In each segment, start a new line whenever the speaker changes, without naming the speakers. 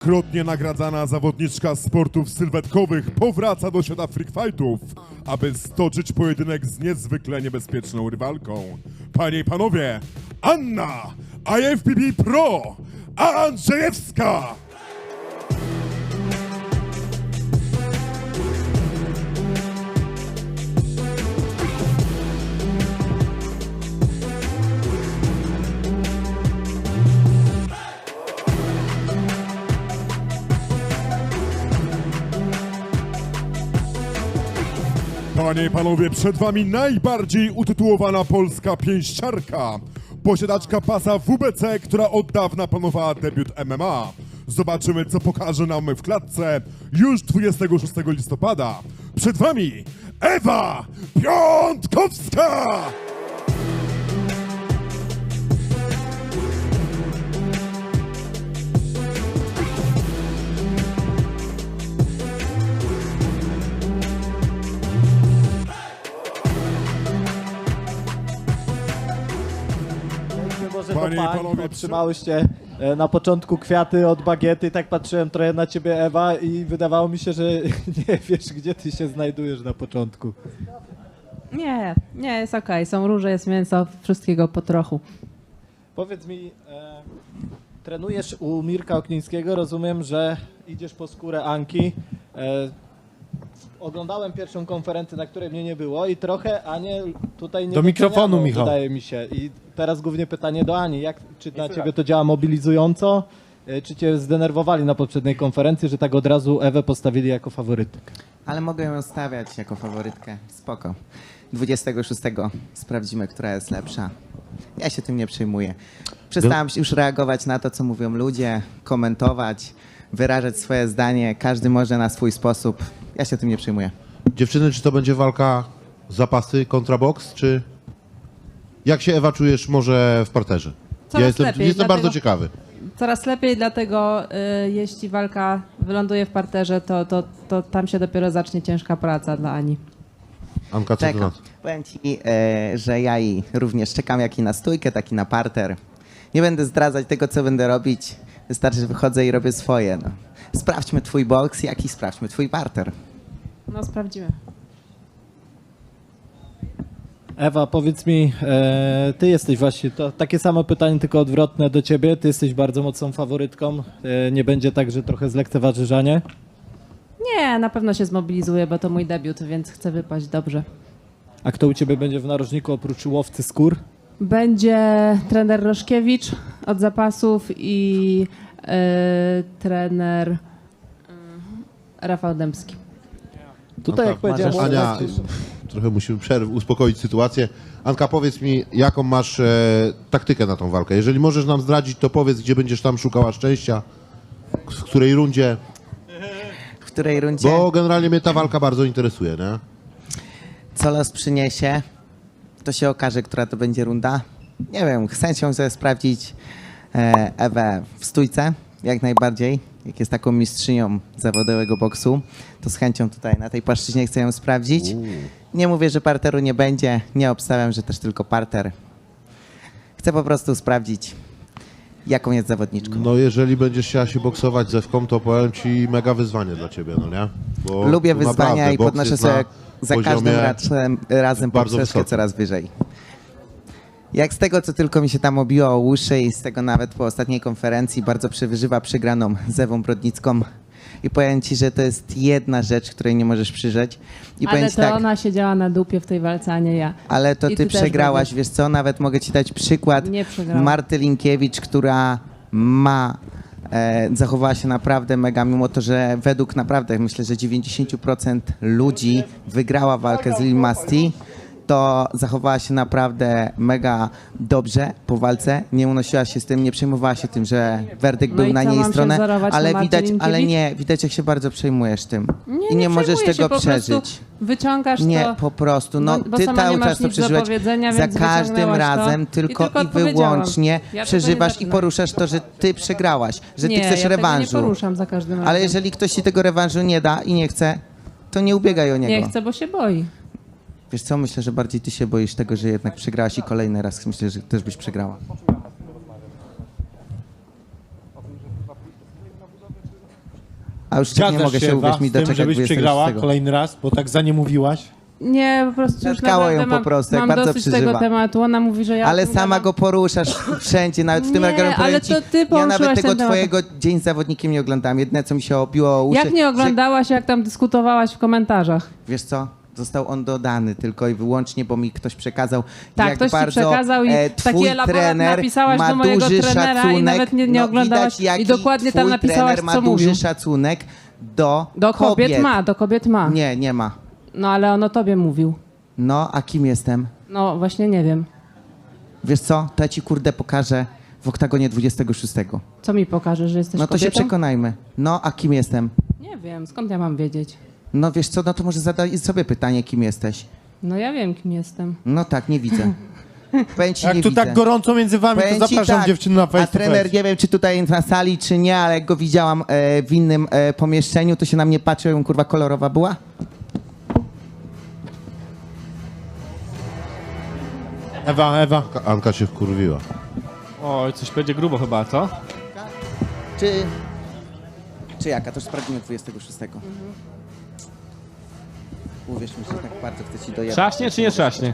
Krotnie nagradzana zawodniczka sportów sylwetkowych powraca do świata freak fightów, aby stoczyć pojedynek z niezwykle niebezpieczną rywalką. Panie i panowie, Anna IFBB Pro Andrzejewska! Panie i panowie, przed wami najbardziej utytułowana polska pięściarka, posiadaczka pasa WBC, która od dawna planowała debiut MMA. Zobaczymy, co pokaże nam w klatce już 26 listopada. Przed wami Ewa Piątkowska!
Panie i panowie, otrzymałyście na początku kwiaty od Bagiety, tak patrzyłem trochę na ciebie, Ewa, i wydawało mi się, że nie wiesz, gdzie ty się znajdujesz na początku.
Nie, jest okej. Są róże, jest mięso, wszystkiego po trochu.
Powiedz mi, trenujesz u Mirka Oknińskiego, rozumiem, że idziesz po skórę Anki. Oglądałem pierwszą konferencję, na której mnie nie było i trochę Anię tutaj nie
Do mikrofonu,
doceniano,
Michał.
wydaje mi się. I teraz głównie pytanie do Ani. Czy na ciebie to działa mobilizująco? Czy cię zdenerwowali na poprzedniej konferencji, że tak od razu Ewę postawili jako faworytkę?
Ale mogę ją stawiać jako faworytkę. Spoko. 26 sprawdzimy, która jest lepsza. Ja się tym nie przejmuję. Przestałem już reagować na to, co mówią ludzie, komentować, wyrażać swoje zdanie. Każdy może na swój sposób. Ja się tym nie przejmuję.
Dziewczyny, czy to będzie walka zapasy kontra boks, czy jak się, Ewa, czujesz może w parterze?
Coraz lepiej,
jestem bardzo
dlatego-
ciekawy.
Coraz lepiej, dlatego jeśli walka wyląduje w parterze, to tam się dopiero zacznie ciężka praca dla Ani.
Anka, co ty na
Czekam.
to?
Powiem ci, że ja i również czekam jak i na stójkę, tak i na parter. Nie będę zdradzać tego, co będę robić. Wystarczy, że wychodzę i robię swoje. No. Sprawdźmy twój boks, jak i sprawdźmy twój parter.
No sprawdzimy.
Ewa, powiedz mi, ty jesteś właśnie, to takie samo pytanie, tylko odwrotne do ciebie. Ty jesteś bardzo mocną faworytką. Nie będzie tak, że trochę zlekceważysz Anię?
Nie, na pewno się zmobilizuję, bo to mój debiut, więc chcę wypaść dobrze.
A kto u ciebie będzie w narożniku oprócz łowcy skór?
Będzie trener Roszkiewicz od zapasów i trener Rafał Dębski.
Tutaj, jak powiedziałem,
Ania, trochę musimy uspokoić sytuację. Anka, powiedz mi, jaką masz taktykę na tą walkę? Jeżeli możesz nam zdradzić, to powiedz, gdzie będziesz tam szukała szczęścia, w której rundzie,
W której rundzie
bo generalnie mnie ta walka bardzo interesuje, nie?
co los przyniesie, to się okaże, która to będzie runda. Nie wiem, chcę się sobie sprawdzić Ewę w stójce, jak najbardziej. Jak jest taką mistrzynią zawodowego boksu, to z chęcią tutaj na tej płaszczyźnie chcę ją sprawdzić. Nie mówię, że parteru nie będzie, nie obstawiam, że też tylko parter. Chcę po prostu sprawdzić, jaką jest zawodniczką.
No jeżeli będziesz chciała się boksować z Ewką, to powiem ci mega wyzwanie dla ciebie, no nie? Bo
Lubię
tu
wyzwania
naprawdę
i
boks
podnoszę
jest
sobie
na
za
poziomie
każdym razem
bardzo
poprzeczkę
wysokim.
coraz wyżej. Jak z tego, co tylko mi się tam obiło o uszy i z tego nawet po ostatniej konferencji bardzo przewyżywa przegraną z Ewą Brodnicką. I powiem ci, że to jest jedna rzecz, której nie możesz przyrzeć. I powiem
Ale
ci
to
tak,
ona siedziała na dupie w tej walce, a nie ja.
ale to
I
ty
ty też
przegrałaś,
będziesz.
wiesz co, nawet mogę ci dać przykład
Nie przegrałam.
Marty Linkiewicz, która zachowała się naprawdę mega, mimo to, że według naprawdę, myślę, że 90% ludzi wygrała walkę z Lil Masti, to zachowała się naprawdę mega dobrze po walce, nie unosiła się z tym, nie przejmowała się tym, że werdykt
No
był
i
na
co,
niej
mam się
stronę,
wzorować na
ale
Marcie
widać,
Linkiewicz?
widać jak się bardzo przejmujesz tym i
Nie
nie możesz
przejmuję się,
tego
po prostu
przeżyć.
Wyciągasz
Nie,
to.
po prostu. No,
bo
ty
sama nie
cały
masz
czas to
nic do
przeżyłeś.
powiedzenia,
Za
więc
każdym
wyciągnęłaś
razem
to
tylko i
odpowiedziałam.
wyłącznie
Ja tego nie
przeżywasz i
zacznę.
poruszasz to, że ty przegrałaś, że
Nie,
ty chcesz
ja tego
rewanżu.
nie poruszam za każdym razem.
Ale jeżeli ktoś ci tego rewanżu nie da i nie chce, to nie ubiegaj o niego.
Nie chcę, bo się boi.
Wiesz co, myślę, że bardziej ty się boisz tego, że jednak przegrałaś i kolejny raz myślę, że też byś przegrała. A już tak nie
Zgadzasz
mogę się,
Ewa,
uwierz mi,
z tym,
doczekać
żebyś
26.
przegrała kolejny raz, bo tak za nie mówiłaś?
Nie, po prostu już
Zatkało ją
naprawdę
po prostu, jak
mam
bardzo
dosyć
przeżywa.
tego tematu. Ona mówi, że ja...
Ale
o tym
sama
gadam.
go poruszasz wszędzie, nawet w tym
Nie,
nagraniu powiem
ale
ci,
to ty
ja
poruszyłaś
nawet tego
ten temat.
twojego Dzień z zawodnikiem nie oglądałem. Jedyne, co mi się obiło o uszy...
Jak nie oglądałaś, jak tam dyskutowałaś w komentarzach?
Wiesz co? Został on dodany tylko i wyłącznie, bo mi ktoś przekazał,
Tak,
jak
ktoś ci
bardzo
przekazał i
twój
taki elaborat
trener
napisałaś
ma
do mojego
duży
trenera i
szacunek.
nawet nie oglądałaś
widać, jaki
i dokładnie tam
twój
napisałaś,
trener ma
co
duży
mówił.
szacunek do
Do kobiet ma.
Nie, nie ma.
No ale on o tobie mówił.
No, a kim jestem?
No właśnie nie wiem.
Wiesz co? To ja ci kurde pokażę w oktagonie 26.
Co mi pokaże, że jesteś
No to
kobietą?
się przekonajmy. No, a kim jestem?
Nie wiem, skąd ja mam wiedzieć?
No wiesz co, no to może zadaj sobie pytanie, kim jesteś.
No ja wiem, kim jestem.
No tak, nie widzę. Powiem ci,
Jak
nie
tu
widzę.
tak gorąco między wami,
Powiem
to
ci
zapraszam
tak,
dziewczyny na face
a
to
trener,
face.
nie wiem, czy tutaj na sali, czy nie, ale jak go widziałam w innym pomieszczeniu, to się na mnie patrzył, kurwa, kolorowa była.
Ewa.
Anka się wkurwiła.
Oj, coś będzie grubo chyba, co?
Czy jaka? To już sprawdzimy 26. Uwierz mi, że tak bardzo chcę ci dojechać.
Trzaśnie czy nie trzaśnie?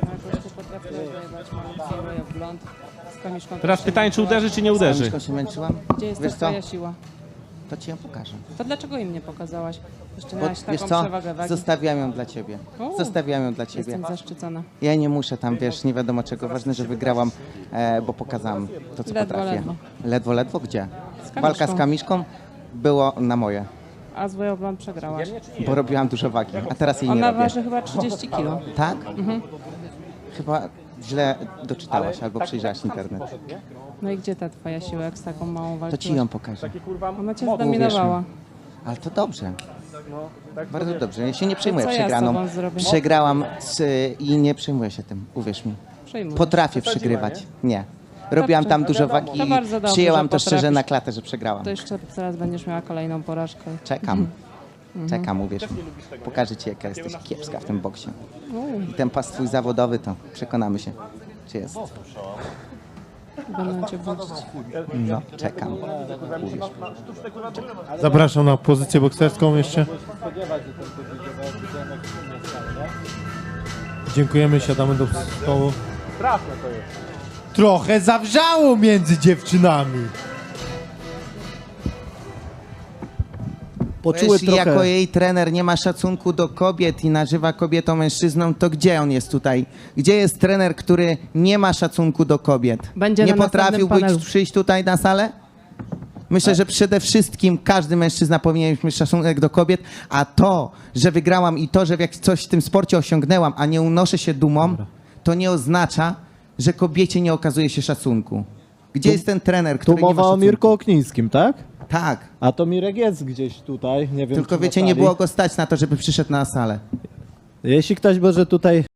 Teraz pytanie, czy uderzy, czy nie uderzy?
Uderzy. się męczyłam?
Gdzie jest
Wiesz
ta
co?
twoja siła?
To ci ją pokażę.
To dlaczego im nie pokazałaś? Jeszcze
Bo,
miałaś
wiesz
taką
co?
przewagę wagi.
Zostawiam ją dla ciebie.
O,
Zostawiam ją dla ciebie.
Jestem zaszczycona.
Ja nie muszę tam, wiesz, nie wiadomo czego. Ważne, że wygrałam, bo pokazałam to, co
Ledwo,
potrafię.
ledwo.
Ledwo? Gdzie?
Kamiszką.
Walka z Kamiszką było na moje,
A z Wojobląd przegrałaś.
bo robiłam dużo wagi, a teraz jej nie
Ona
robię.
waży chyba 30 kilo.
Tak? Chyba źle doczytałaś albo przejrzałaś internet.
No i gdzie ta twoja siła, jak z taką małą
To
walczyłaś?
ci ją pokażę.
Ona cię zdominowała.
Ale to dobrze. Bardzo dobrze. Ja się nie przejmuję
co ja z
przegraną.
tobą zrobię?
Przegrałam i nie przejmuję się tym, uwierz mi.
Przejmuj.
Potrafię przegrywać. Nie. Robiłam tam dużo wagi
To
i
bardzo dobrze,
przyjęłam
że
to szczerze
potrafisz.
na klatę, że przegrałam.
To jeszcze teraz będziesz miała kolejną porażkę.
Czekam. Czekam, uwierz mi. Pokażę ci, jaka jesteś kiepska w tym boksie. I ten pas twój zawodowy, to przekonamy się, czy jest.
Będę cię budzić.
No, czekam. Uwierz mi.
Zapraszam na pozycję bokserską jeszcze. Dziękujemy, siadamy do stołu. Trochę zawrzało między dziewczynami.
Poczuły
Jeśli
trochę...
jako jej trener nie ma szacunku do kobiet i nazywa kobietą mężczyzną, to gdzie on jest tutaj? Gdzie jest trener, który nie ma szacunku do kobiet?
Będzie
nie
na następnym
potrafiłbyś
panelu.
przyjść tutaj na salę? Myślę, że przede wszystkim każdy mężczyzna powinien mieć szacunek do kobiet, a to, że wygrałam i to, że jak coś w tym sporcie osiągnęłam, a nie unoszę się dumą, to nie oznacza, że kobiecie nie okazuje się szacunku. Gdzie jest ten trener, który
Tu
nie ma
mowa o
szacunku?
Mirku Oknińskim, tak?
Tak.
A to Mirek jest gdzieś tutaj, nie wiem
Tylko
czy
wiecie,
na
nie
sali.
było go stać na to, żeby przyszedł na salę.
Jeśli ktoś może tutaj